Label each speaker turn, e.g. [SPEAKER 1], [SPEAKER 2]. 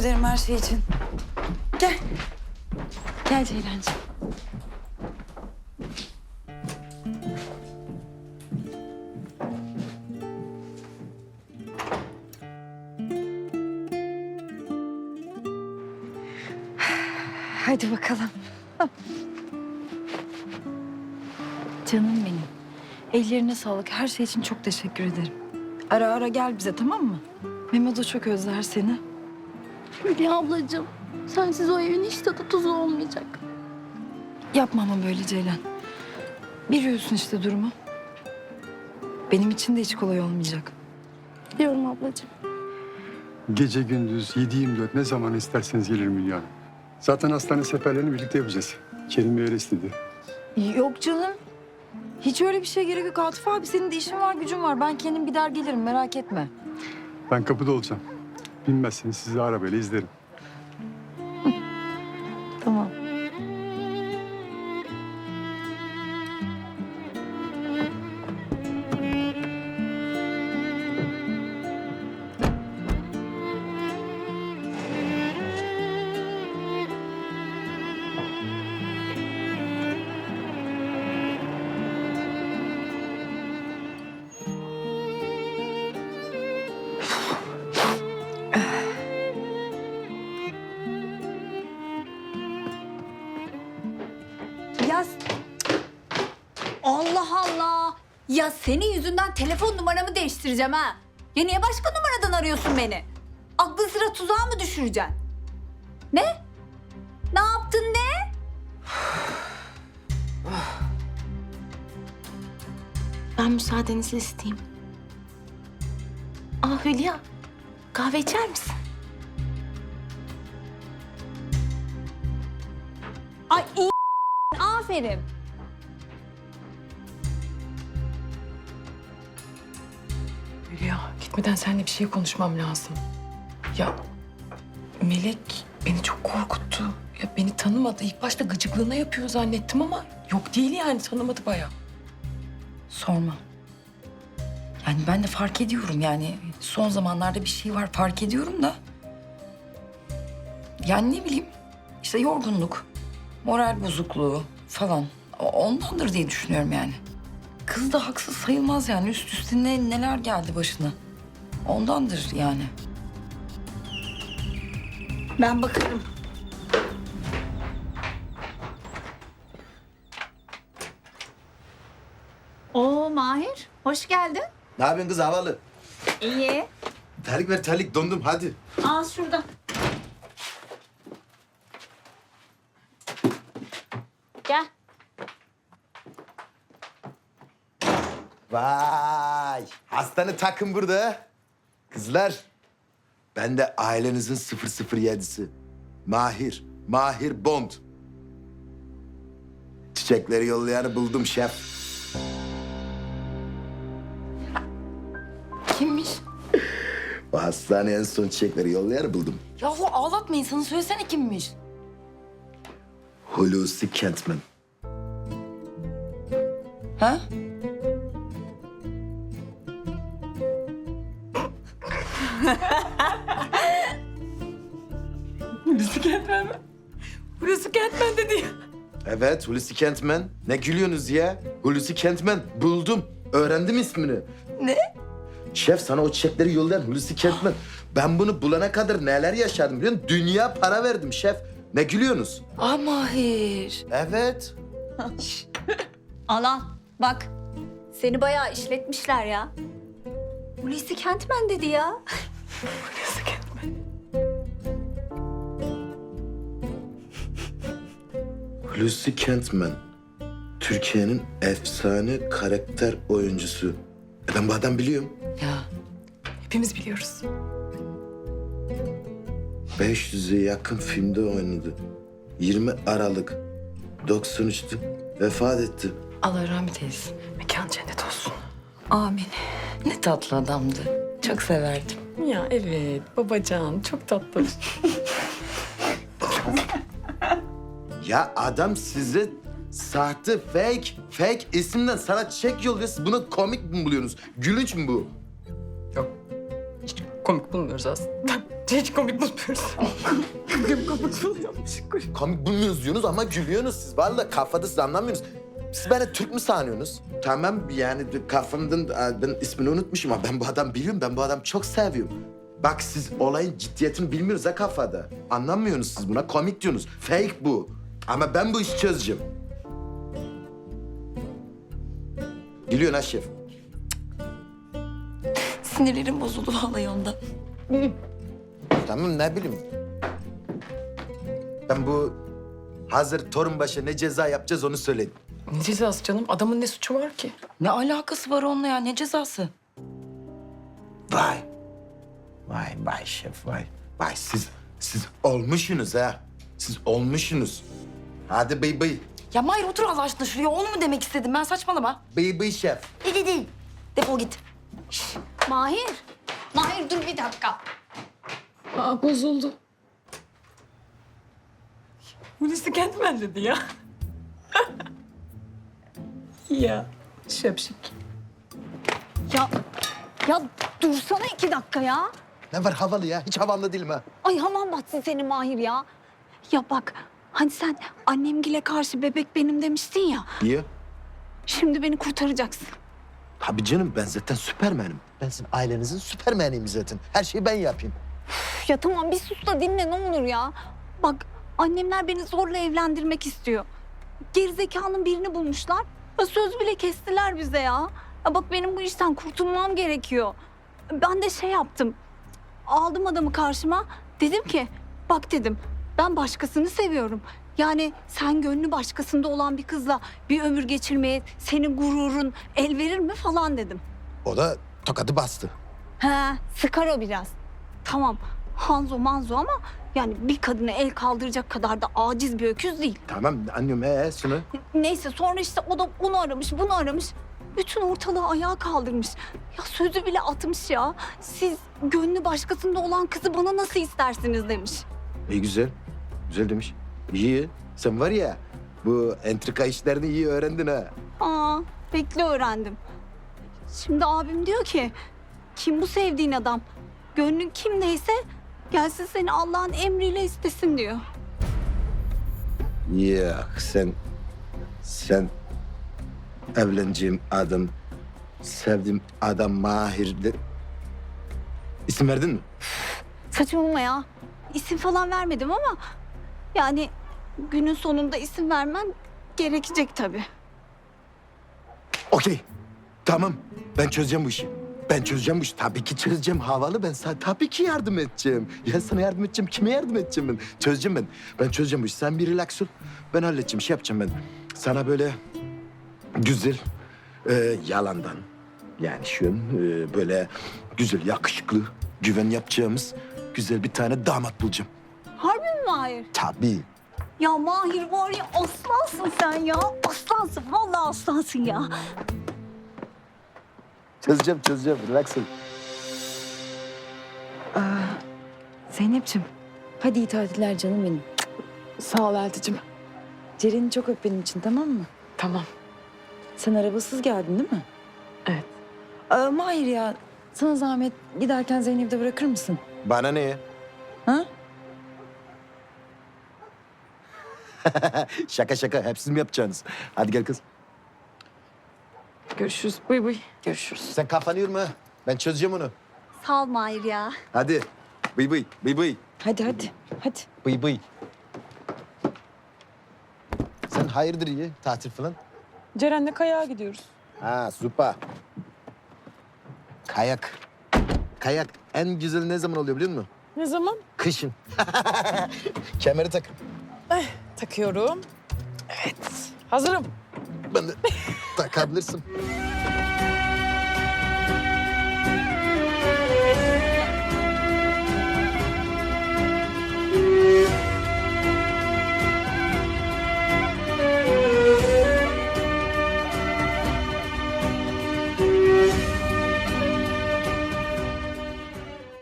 [SPEAKER 1] ederim her şey için. Gel. Gel Ceylancığım. Hadi bakalım. Canım benim. Ellerine sağlık. Her şey için çok teşekkür ederim. Ara ara gel bize, tamam mı? Mehmet de çok özler seni.
[SPEAKER 2] Hülya ablacığım, sensiz o evin hiç tadı tuzu olmayacak.
[SPEAKER 1] Yapma ama böyle Ceylan. Biliyorsun işte durumu. Benim için de hiç kolay olmayacak.
[SPEAKER 2] Biliyorum ablacığım.
[SPEAKER 3] Gece gündüz 7/24 ne zaman isterseniz gelirim Hülya Hanım. Zaten hastane seferlerini birlikte yapacağız. Kerim Bey öyle istedi.
[SPEAKER 1] Yok canım. Hiç öyle bir şey gerek yok. Atıf abi senin de işin var, gücün var. Ben kendim gider gelirim, merak etme.
[SPEAKER 3] Ben kapıda olacağım. Bilmezseniz sizi arabayla izlerim.
[SPEAKER 1] Tamam.
[SPEAKER 4] Ya Allah Allah. Ya senin yüzünden telefon numaramı değiştireceğim ha. Ya niye başka numaradan arıyorsun beni? Aklı sıra tuzağa mı düşüreceksin? Ne? Ne yaptın ne?
[SPEAKER 2] Ben müsaadenizi isteyeyim. Aa Hülya, kahve içer misin?
[SPEAKER 4] Ay iyi. Aferin.
[SPEAKER 5] Hülya, gitmeden seninle bir şey konuşmam lazım. Ya Melek beni çok korkuttu. Ya beni tanımadı. İlk başta gıcıklığına yapıyor zannettim ama yok değil yani, tanımadı bayağı.
[SPEAKER 1] Sorma. Yani ben de fark ediyorum yani. Son zamanlarda bir şey var, fark ediyorum da. Yani ne bileyim, işte yorgunluk, moral bozukluğu falan. Ondandır diye düşünüyorum yani. Kız da haksız sayılmaz yani. Üst üste neler geldi başına. Ondandır yani.
[SPEAKER 4] Ben bakarım. Oo Mahir, hoş geldin.
[SPEAKER 6] Ne yapıyorsun kız havalı?
[SPEAKER 4] İyi.
[SPEAKER 6] Terlik ver terlik dondum hadi.
[SPEAKER 4] Al şurada. Gel.
[SPEAKER 6] Vay hastane takım burada. Kızlar ben de ailenizin 007'si. Mahir Bond. Çiçekleri yollayanı buldum şef.
[SPEAKER 1] Kimmiş?
[SPEAKER 6] O hastaneye en son çiçekleri yollayanı buldum.
[SPEAKER 1] Yahu ağlatma insanı, söylesene kimmiş?
[SPEAKER 6] Hulusi Kentman.
[SPEAKER 1] Ha?
[SPEAKER 5] Hulusi Kentmen mi? Hulusi Kentmen dedi ya.
[SPEAKER 6] Evet Hulusi Kentman. Ne gülüyorsunuz ya? Hulusi Kentman buldum. Öğrendim ismini.
[SPEAKER 1] Ne?
[SPEAKER 6] Şef sana o çiçekleri yollayan Hulusi Kentman. Ben bunu bulana kadar neler yaşadım biliyor musun? Dünya para verdim şef. Ne gülüyorsunuz?
[SPEAKER 1] Aa Mahir.
[SPEAKER 6] Evet.
[SPEAKER 4] Al al. Bak. Seni bayağı işletmişler ya. Hulusi Kentmen dedi ya.
[SPEAKER 5] Hulusi Kentmen.
[SPEAKER 6] Hulusi Kentman. Türkiye'nin efsane karakter oyuncusu. Ben bu adam biliyorum.
[SPEAKER 1] Ya
[SPEAKER 5] Hepimiz biliyoruz.
[SPEAKER 6] 500'e yakın filmde oynadı. 20 Aralık 93'tü. Vefat etti.
[SPEAKER 1] Allah rahmet eylesin.
[SPEAKER 5] Mekan cennet olsun.
[SPEAKER 1] Amin. Ne tatlı adamdı. Çok severdim.
[SPEAKER 5] Ya evet, babacan çok tatlı.
[SPEAKER 6] Ya adam size sahte, fake isimden sana çek yolluyor. Siz bunu komik mi buluyorsunuz? Gülünç mü bu?
[SPEAKER 5] Yok, hiç komik bulmuyoruz aslında. Hiç komik bulmuyoruz. Komik buluyormuş.
[SPEAKER 6] Komik bulmuyorsunuz diyorsunuz ama gülüyorsunuz siz. Vallahi kafada siz anlamıyorsunuz. Siz beni Türk mü sanıyorsunuz? Tamam yani kafamdan ben ismini unutmuşum ama ben bu adamı biliyorum. Ben bu adamı çok seviyorum. Bak siz olayın ciddiyetini bilmiyorsunuz ha kafada. Anlamıyorsunuz siz buna. Komik diyorsunuz. Fake bu. Ama ben bu işi çözeceğim. Gülüyorsun ha şef.
[SPEAKER 1] Sinirlerim bozuldu vallahi ondan.
[SPEAKER 6] Tamam ne bileyim. Ben bu hazır Torunbaş'a ne ceza yapacağız onu söyledim.
[SPEAKER 5] Ne cezası canım? Adamın ne suçu var ki?
[SPEAKER 1] Ne alakası var onunla ya? Ne cezası?
[SPEAKER 6] Vay. Vay şef vay. Vay siz olmuşsunuz ha. Siz olmuşsunuz. Hadi bıy bıy.
[SPEAKER 1] Ya Mahir otur Allah aşkına şuraya. Onu mu demek istedim ben? Saçmalama.
[SPEAKER 6] Bıy bıy şef.
[SPEAKER 1] Değil. Defol git.
[SPEAKER 4] Mahir. Mahir dur bir dakika.
[SPEAKER 5] Aa bozuldu. Hulusi kendime dedi ya. Ya şapşik.
[SPEAKER 4] Ya dursana 2 dakika ya.
[SPEAKER 6] Ne var havalı ya? Hiç havalı değilim ha.
[SPEAKER 4] Ay havan batsın senin Mahir ya. Ya bak hani sen annemgile karşı bebek benim demiştin ya.
[SPEAKER 6] Niye?
[SPEAKER 4] Şimdi beni kurtaracaksın.
[SPEAKER 6] Tabii canım ben zaten süpermenim. Ben sizin ailenizin süpermeniyim zaten. Her şeyi ben yapayım.
[SPEAKER 4] Üf, ya tamam bir sus da dinle ne olur ya. Bak annemler beni zorla evlendirmek istiyor. Gerizekalının birini bulmuşlar. Ya söz bile kestiler bize ya. Ya bak benim bu işten kurtulmam gerekiyor. Ben de şey yaptım. Aldım adamı karşıma. Dedim ki bak dedim ben başkasını seviyorum. Yani sen gönlü başkasında olan bir kızla bir ömür geçirmeye senin gururun el verir mi falan dedim.
[SPEAKER 6] O da tokadı bastı.
[SPEAKER 4] He, sıkar o biraz. Tamam, Hanzo manzo ama yani bir kadına el kaldıracak kadar da aciz bir öküz değil.
[SPEAKER 6] Tamam anlıyorum şunu.
[SPEAKER 4] Neyse sonra işte o da onu aramış, bunu aramış. Bütün ortalığı ayağa kaldırmış. Ya sözü bile atmış ya. Siz gönlü başkasında olan kızı bana nasıl istersiniz demiş.
[SPEAKER 6] İyi güzel. Güzel demiş. İyi. Sen var ya bu entrika işlerini iyi öğrendin ha.
[SPEAKER 4] Aa, bekle öğrendim. Şimdi abim diyor ki, kim bu sevdiğin adam? Gönlün kimdeyse gelsin seni Allah'ın emriyle istesin diyor.
[SPEAKER 6] Yok sen evleneceğim adam, sevdiğim adam Mahir'de. İsim verdin mi?
[SPEAKER 4] Saçmalama ya. İsim falan vermedim ama yani günün sonunda isim vermem gerekecek tabii.
[SPEAKER 6] Okey. Tamam. Ben çözeceğim bu işi. Ben çözeceğim bu işi. Tabii ki çözeceğim. Havalı ben sana tabii ki yardım edeceğim. Ya sana yardım edeceğim. Kime yardım edeceğim ben? Çözeceğim ben. Ben çözeceğim bu işi. Sen bir relax ol. Ben halledeceğim. Şey yapacağım ben. Sana böyle güzel yalandan yani şu an böyle güzel, yakışıklı, güven yapacağımız güzel bir tane damat bulacağım.
[SPEAKER 4] Harbi mi Mahir?
[SPEAKER 6] Tabii.
[SPEAKER 4] Ya Mahir var ya aslansın sen ya. Aslansın. Vallahi aslansın ya.
[SPEAKER 6] Çözeceğim. Relax ol.
[SPEAKER 1] Zeynep'ciğim hadi iyi tatiller canım benim.
[SPEAKER 5] Sağ ol Elticim.
[SPEAKER 1] Ceren'i çok öp benim için tamam mı?
[SPEAKER 5] Tamam.
[SPEAKER 1] Sen arabasız geldin değil mi?
[SPEAKER 5] Evet.
[SPEAKER 1] Mahir ya sana zahmet giderken Zeynep'i de bırakır mısın?
[SPEAKER 6] Bana ne ya?
[SPEAKER 1] Ha?
[SPEAKER 6] Şaka. Hep siz mi yapacaksınız? Hadi gel kız.
[SPEAKER 5] Görüşürüz. Bıy bıy.
[SPEAKER 1] Görüşürüz.
[SPEAKER 6] Sen kafanı yorma. Ben çözeceğim onu.
[SPEAKER 4] Sağ ol Mahir ya.
[SPEAKER 6] Hadi. Bıy.
[SPEAKER 1] Hadi.
[SPEAKER 6] Bıy. Sen hayırdır iyi tatil falan?
[SPEAKER 5] Ceren'le kayağa gidiyoruz.
[SPEAKER 6] Ha süper. Kayak en güzel ne zaman oluyor biliyor musun?
[SPEAKER 5] Ne zaman?
[SPEAKER 6] Kışın. Kemeri tak.
[SPEAKER 5] Takıyorum. Evet. Hazırım.
[SPEAKER 6] Ben de takabilirsin.